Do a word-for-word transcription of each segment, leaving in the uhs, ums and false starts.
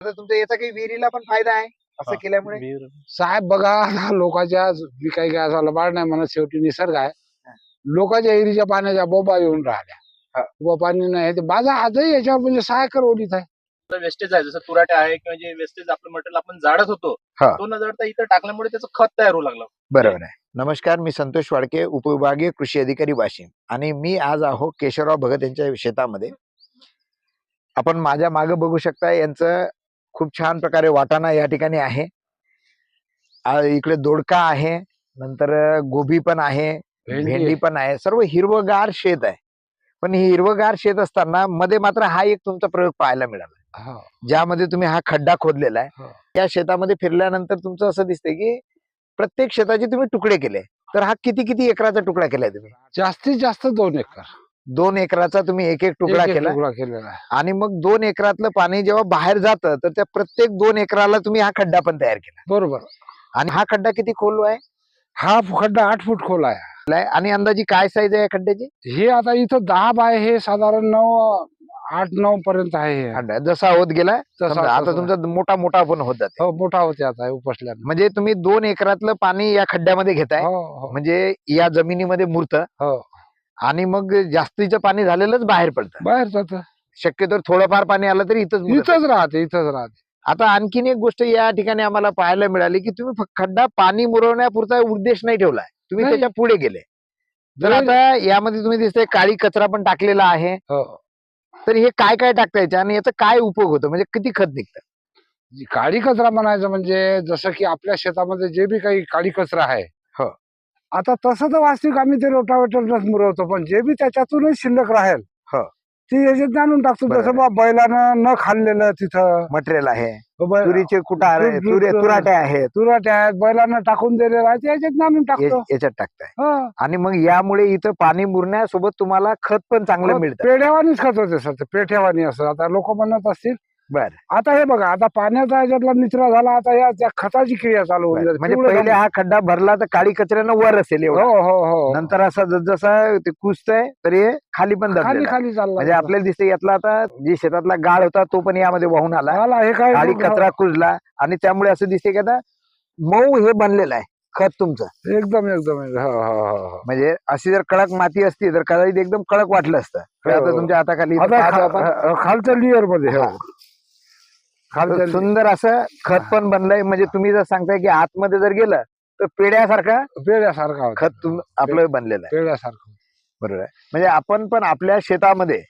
तर तुमच्या याचा काही विहिरीला पण फायदा आहे असं केल्यामुळे? विहीर साहेब बघा आता लोकांच्या मी काही काय असं लबाड नाही म्हणत, शेवटी निसर्ग आहे. लोकांच्या एरीच्या पाण्याच्या बोबा येऊन राहिल्या. हा. बोबा पाणी नाही ते माझा आजही याच्यावर म्हणजे सहाय करवलीत आहे. वेस्टेज आहे, जसं तुराटे आहे किंवा जे वेस्टेज आपलं मटेरियल आपण जाळत होतो हा. तो न जाळता इथं टाकल्यामुळे त्याचं खत तयार होऊ लागलं. बरोबर आहे. नमस्कार, मी संतोष वाडके, उपविभागीय कृषी अधिकारी वाशिम, आणि मी आज आहो केशवराव भगत यांच्या शेतामध्ये. आपण माझ्या मागे बघू शकता, यांचं खूप छान प्रकारे वाटाणा या ठिकाणी आहे. आ, इकडे दोडका आहे, नंतर गोबी पण आहे, भेंडी भेंडी पण आहे, सर्व हिरवगार शेत आहे. पण ही हिरवगार शेत असताना मध्ये मात्र हा एक तुमचा प्रयोग पाहायला मिळाला, हा. ज्यामध्ये तुम्ही हा खड्डा खोदलेला आहे. हा. या शेतामध्ये फिरल्यानंतर तुमचं असं दिसतंय की प्रत्येक शेताचे तुम्ही तुकडे केले. तर हा किती किती एकराचा तुकडा केलाय तुम्ही? जास्तीत जास्त दोन एकर दोन एकराचा तुम्ही एक एक तुकडा एक एक केला. तुकडा केलेला आहे. आणि मग दोन एकरातलं पाणी जेव्हा बाहेर जातं तर त्या प्रत्येक दोन एकराला तुम्ही हा खड्डा पण तयार केला. बरोबर. आणि हा खड्डा किती खोल आहे? हा खड्डा आठ फूट खोल आहे. आणि अंदाजी काय साईज आहे या खड्ड्याची? हे आता इथं दहा बाय हे साधारण नऊ आठ नऊ पर्यंत आहे हे. खड्डा जसा होत गेला तसा- समजा आता तसा. तुमचा मोठा मोठा पण होत जाते. हो, मोठा होते आता उपसल्यानं. म्हणजे तुम्ही दोन एकरातलं पाणी या खड्ड्यामध्ये घेताय, हो हो म्हणजे या जमिनीमध्ये मुरतं हो. आणि मग जास्तीचं पाणी झालेलंच बाहेर पडतं. बाहेर जात शक्यतो थोडंफार पाणी आलं तरी इथंच मुरतं. इथंच राहते इथंच राहते. आता आणखीन एक गोष्ट या ठिकाणी आम्हाला पाहायला मिळाली की तुम्ही फक्त खड्डा पाणी मुरवण्यापुरता उद्देश नाही ठेवलाय, तुम्ही नाही. त्याच्या पुढे गेले. तर नाही. आता यामध्ये तुम्ही दिसतंय काळी कचरा पण टाकलेला आहे. हो. तर हे काय काय टाकता याच्या आणि याचा काय उपयोग होतो, म्हणजे किती खत निघतं? जी काळी कचरा म्हणायचं म्हणजे जसं की आपल्या शेतामध्ये जे बी काही काळी कचरा आहे, हो. आता तसं तर वास्तविक आम्ही ते रोटावेटरनच मुरवतो, पण जे बी त्याच्यातूनच शिल्लक राहील हो. ते याच्यात आणून टाकतो. बरोबर. जसं बा बैलानं न खाल्लेलं तिथं मटेरियल आहे, बै- तुरीचे कुटार आहे, तूर- तुरे तूर- तुराटे आहेत, तुराट्या आहेत, बैलांना टाकून दिलेलं आहे ते याच्यात आणून टाकतो. हे- याच्यात टाकताय. हो. आणि मग यामुळे इथं पाणी मुरण्यासोबत तुम्हाला खत पण चांगलं मिळतं. पेढ्यावानीच खात होते सर, ते पेठ्यावानी असं आता लोक म्हणत असतील. बर. आता हे बघा, आता पाण्याचा याच्यातला निचरा झाला, आता या त्या खताची क्रिया चालू होऊन जाते. म्हणजे पिवळं पहिले झालं. हा खड्डा भरला तर काळी कचऱ्यानं वर असेल एवढा. हो हो हो. नंतर असं जसं ते कुसतंय तर हे खाली पण खाली दबलेलं आहे. खाली चालला म्हणजे आपल्याला दिसते यातला आता जी शेतातला गाळ होता तो पण यामध्ये वाहून आला, आला हे काय काळी कचरा कुजला, आणि त्यामुळे असं दिसते की आता मऊ हे बनलेलं आहे खत तुमचं. एकदम एकदम एकदम. हो हो हो हो. म्हणजे अशी जर कडक माती असती तर कदाचित एकदम कडक वाटलं असतं. तर आता हो. तुमच्या हाताखाली इथं आता पाहतो आपण. खा- अ- खालच्या लेअर मध्ये हो. हा. खालच्या तर सुंदर असं खत पण बनलंय. म्हणजे तुम्ही जर सांगताय की आतमध्ये जर गेलं तर पेड्यासारखा पेढ्यासारखा होता. खत तुम आपलं बनलेलं आहे. पेढ्यासारखं. बरोबर आहे. म्हणजे आपण पण आपल्या शेतामध्ये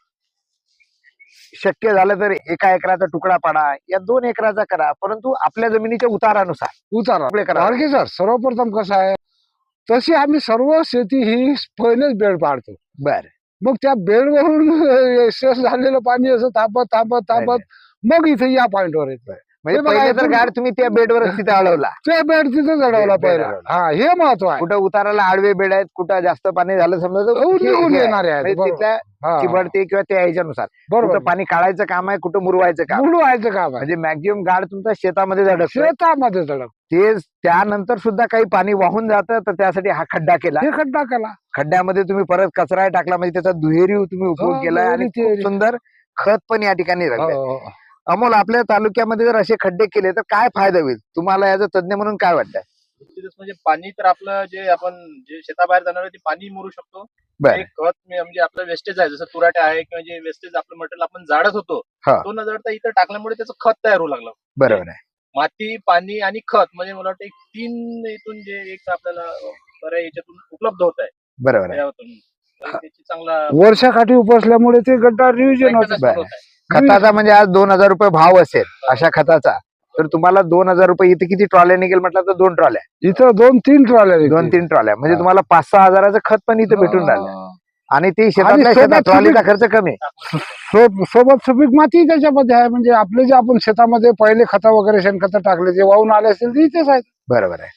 शक्य झालं तर एका एकराचा तुकडा पाडा या दोन एकराचा करा, परंतु आपल्या जमिनीच्या उतारानुसार उतारा आपले करा. आणखी सर, सर्वप्रथम कसं आहे, तशी आम्ही सर्व शेती ही पहिलेच बेड पाडतो. बर. मग त्या बेडवरून शेष झालेलं पाणी असं थांबत थांबत थांबत मग इथे या पॉइंटवर येत. म्हणजे हे बघा, पहिले तर इथून- गाड तुम्ही त्या बेडवरच तिथे अडवला. ते बेड तिथे चढवला बेड पहिला. अडवला. हा, हे महत्व आहे. कुठं उताराला आडवे बेड आहेत, कुठं जास्त पाणी झालं समजा तर निघून- हे- निघून हे आहे. येणारे आहेत. म्हणजे बरोबर. तिथल्या हा. चिबडते किंवा त्या ह्याच्यानुसार बरोबर. कुठं पाणी काढायचं काम आहे, कुठं मुरवायचं काम. मुळू व्हायचं काम आहे. म्हणजे मॅक्झिमम गाड तुमच्या शेतामध्ये अडकतो. शेतामध्ये चढव ते त्यानंतर सुद्धा काही पाणी वाहून जातं, तर त्यासाठी हा खड्डा केला. हे खड्डा केला. खड्ड्यामध्ये तुम्ही परत कचरा टाकला, म्हणजे त्याचा दुहेरी तुम्ही उपयोग हो, केलाय आणि दुहेरी, खूप तिहेरी. सुंदर खत पण या ठिकाणी हो, राहिलंय. हो. अमोल, आपल्या तालुक्यामध्ये जर असे खड्डे केले तर काय फायदा होईल तुम्हाला, याचा तज्ञ म्हणून काय वाटतं? निश्चितच म्हणजे पाणी तर आपलं जे आपण जे शेताबाहेर जाणार आहे ते पाणी मुरू शकतो. बरं. एक खत म्हणजे म्हणजे आपलं वेस्टेज आहे, जसं तुराटे आहे किंवा जे वेस्टेज आपलं मटेरियल आपण जाळत होतो हा. तो न जाळता इथं टाकल्यामुळे त्याचं खत तयार होऊ लागलं. बरोबर आहे. माती, पाणी आणि खत म्हणजे मला वाटतं एक तीन इथून जे एक आपल्याला बऱ्या याच्यातून उपलब्ध होत आहे बरोबर आहे. यातून. तर त्याची चांगला वर्षाकाठी उपसल्यामुळे ते गड्डा रिव्हिजन होत. maintenance होत आहे. खताचा म्हणजे आज दोन हजार रुपये भाव असेल अशा खताचा, तर तुम्हाला दोन हजार रुपये इथे किती ट्रॉल्या निघेल म्हटलं तर दोन ट्रॉल्या, इथं दोन तीन ट्रॉल्या दोन तीन ट्रॉल्या म्हणजे हा. तुम्हाला पाच सहा हजाराचं खत पण इथे भेटून राहिलं. आणि ते शेतातल्या सोबत शेतात ट्रॉलीचा तुम्ही- खर्च कमी आहे. सो- सोबत सुपीक माती त्याच्यामध्ये आहे. म्हणजे आपले जे आपण शेतामध्ये पहिले खतं वगैरे शेणखतं टाकले जे वाहून आले असतील ते इथेच आहेत. बरोबर आहे.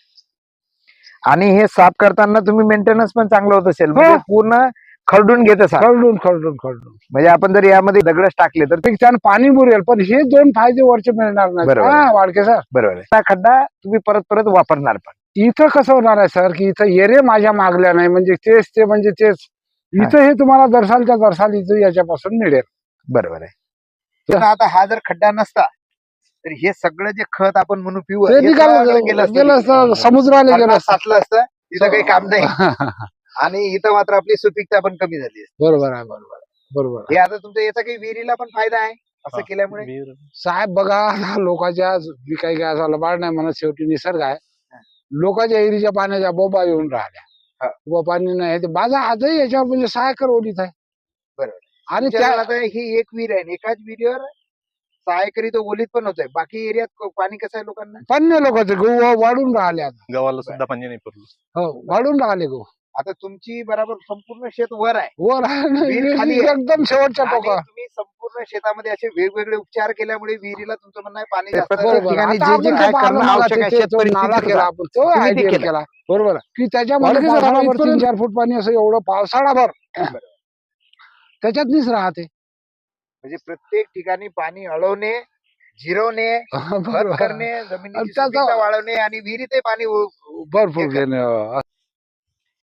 आणि हे साफ करताना तुम्ही मेंटेनन्स पण चांगलं होत असेल, म्हणजे पूर्ण खरडून घेत असाल. खरडून खरडून खरडून म्हणजे आपण जर यामध्ये दगडच टाकले तर ते त्यानं पाणी मुरेल, पण हे दोन फायदे वरचे मिळणार नाही. बरोबर. हा, वाडके सर, बरोबर आहे. हा खड्डा तुम्ही परत परत वापरणार पण. इथं कसं होणार आहे सर, की इथं येरे माझ्या मागल्या नाही, म्हणजे तेच ते म्हणजे तेच इथं हे तुम्हाला दरसालच्या दरसाल इथं याच्यापासून मिळेल. बरोबर आहे. तर आता हा जर खड्डा नसता तर हे सगळं जे खत आपण म्हणून पिऊ ते हे निघालं सगळं गेलं असतं गेलं तिकडे. असतं समुद्राला गेलं मरणात असतं साचलं असतं तिथं काही काम नाही आणि इथं मात्र आपली सुपीकता पण कमी झाली असते. बरोबर आहे बरोबर आहे, बरोबर आहे. हे आता तुमच्या याचा काही विहिरीला पण फायदा आहे असं हा. केल्यामुळे. विहीर. साहेब बघा आता लोकांच्या विकाय काय झालं बाळ नाही म्हणत शेवटी निसर्ग आहे. लोकांच्या एरीच्या पाण्याच्या बोबा येऊन हा. राहिल्या व पाणी नाही ते बाजा आजही याच्यावर म्हणजे सहा एकर ओलीत आहे. बरोबर. आणि तुमच्या त्या आता ही एक विहीर आहे आणि एकाच विहिरीवर सहा एकरी तो ओलीत पण होतोय. बाकी एरियात पाणी कसं आहे लोकांना? पन्ने लोकांचे गहू वाढून राहिले आता. गावाला सुद्धा पाणी नाही पुरलं. हो वाढून राहिले गहू आता तुमची बरोबर संपूर्ण शेत वर आहे वर आहे ना, विहीर खाली आहे. एकदम शेवटच्या आणि टोका. तुम्ही संपूर्ण शेतामध्ये असे वेगवेगळे उपचार केल्यामुळे विहिरीला तुमचं म्हणणं आहे पाणी ते जास्त प्रत्येक आहे. बरोबर. ठिकाणी आता जे आपण जे ते काय पाहिलं करणं ना, आवश्यक ते- आहे ते- शेत तो नाला परिस्थितीनुसार. केला आपण तो तुम्ही ते आयडिया केलं. केला बरोबर आहे. की त्याच्यामध्ये वाढीचं पावसाळा झाड भर तीन इथपर्यंत- चार फूट पाणी असं एवढं पावसाळाभर त्याच्यातनीच राहते. म्हणजे प्रत्येक ठिकाणी पाणी अडवणे, जिरवणे, खत बरोबर करणे, आणि जमिनीची त्याचा- सुपीकता वाढवणे आणि विहिरीतही पाणी उ- भरपूर हे कर- घेणे